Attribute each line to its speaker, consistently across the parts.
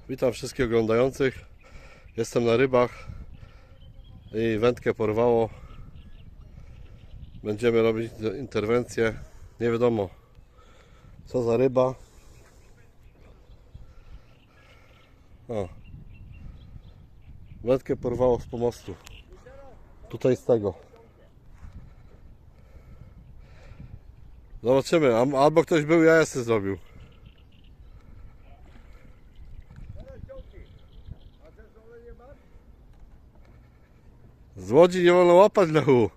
Speaker 1: Witam wszystkich oglądających. Jestem na rybach i wędkę porwało. Będziemy robić interwencję. Nie wiadomo co za ryba. O. Wędkę porwało z pomostu. Tutaj z tego. Zobaczymy. Albo ktoś był, ja jestem zrobił. Z łodzi nie wolno łapać, Lechu.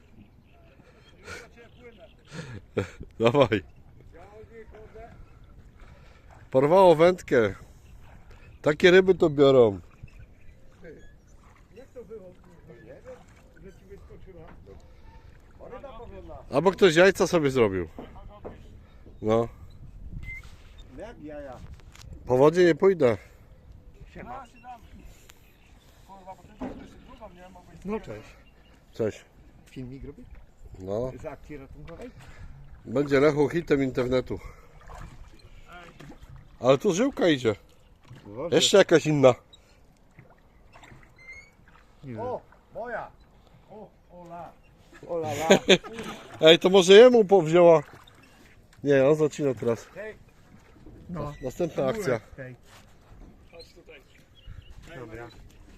Speaker 1: Dawaj. Porwało wędkę. Takie ryby to biorą.
Speaker 2: Jak to było? Nie wiem, że ci wyskoczyła. Ryba powolna.
Speaker 1: Albo ktoś jajca sobie zrobił. No.
Speaker 2: Jak jaja?
Speaker 1: Po wodzie nie pójdę.
Speaker 2: Siema. No cześć.
Speaker 1: Cześć.
Speaker 2: Filmik robię?
Speaker 1: No.
Speaker 2: Z akcji ratunkowej?
Speaker 1: Będzie Lechu hitem internetu. Ale tu żyłka idzie. Jeszcze jakaś inna.
Speaker 2: O, moja! O, ola! Ola, la!
Speaker 1: Ej, to może jemu powzięła. Nie, on zacina teraz.
Speaker 2: Hej! No.
Speaker 1: Następna akcja.
Speaker 2: Hej. Chodź tutaj. Dobra.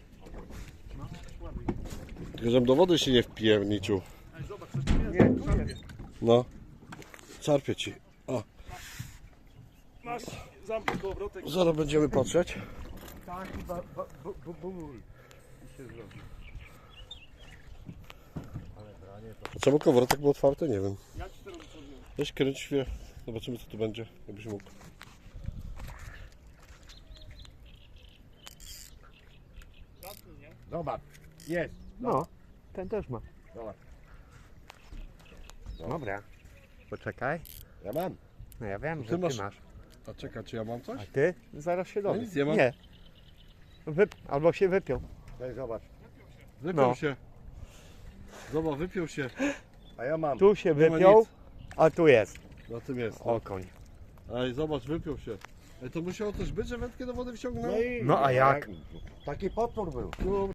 Speaker 1: Tylko żebym do wody się nie wpierniczył.
Speaker 2: Nie, tu jest.
Speaker 1: No. Czarpię ci. O,
Speaker 3: Masz, zamknij kołowrotek.
Speaker 1: zaraz będziemy patrzeć.
Speaker 2: Taki ból. I się zrobi. Ale branie to...
Speaker 1: Czemu kołowrotek był otwarty? Nie wiem.
Speaker 3: Ja ci to robię sobie.
Speaker 1: Weź kręć się. Zobaczymy co tu będzie. Jakbyś mógł.
Speaker 3: Zamknij, nie?
Speaker 2: Zobacz. Jest.
Speaker 4: No, ten też ma.
Speaker 2: Zobacz.
Speaker 4: Dobra. Poczekaj.
Speaker 2: Ja mam.
Speaker 4: No ja wiem,
Speaker 1: Ty
Speaker 4: że ty
Speaker 1: masz-
Speaker 4: masz.
Speaker 1: A czekaj, czy ja mam
Speaker 4: A
Speaker 1: coś?
Speaker 4: ty? Zaraz się dowiesz.
Speaker 1: nic nie mam.
Speaker 4: Nie. Albo się wypiął.
Speaker 2: Daj zobacz.
Speaker 1: Wypiął
Speaker 4: No.
Speaker 1: się. Zobacz, wypiął się.
Speaker 2: A ja mam.
Speaker 4: Tu się
Speaker 1: Nie ma
Speaker 4: wypiął,
Speaker 1: nic.
Speaker 4: a tu jest.
Speaker 1: Na tym jest. No.
Speaker 4: Okoń.
Speaker 1: Ej, zobacz, wypiął się. Ej, to musiało coś być, że wędkę do wody wciągnął?
Speaker 4: No a jak?
Speaker 2: Taki potwór był.
Speaker 1: No,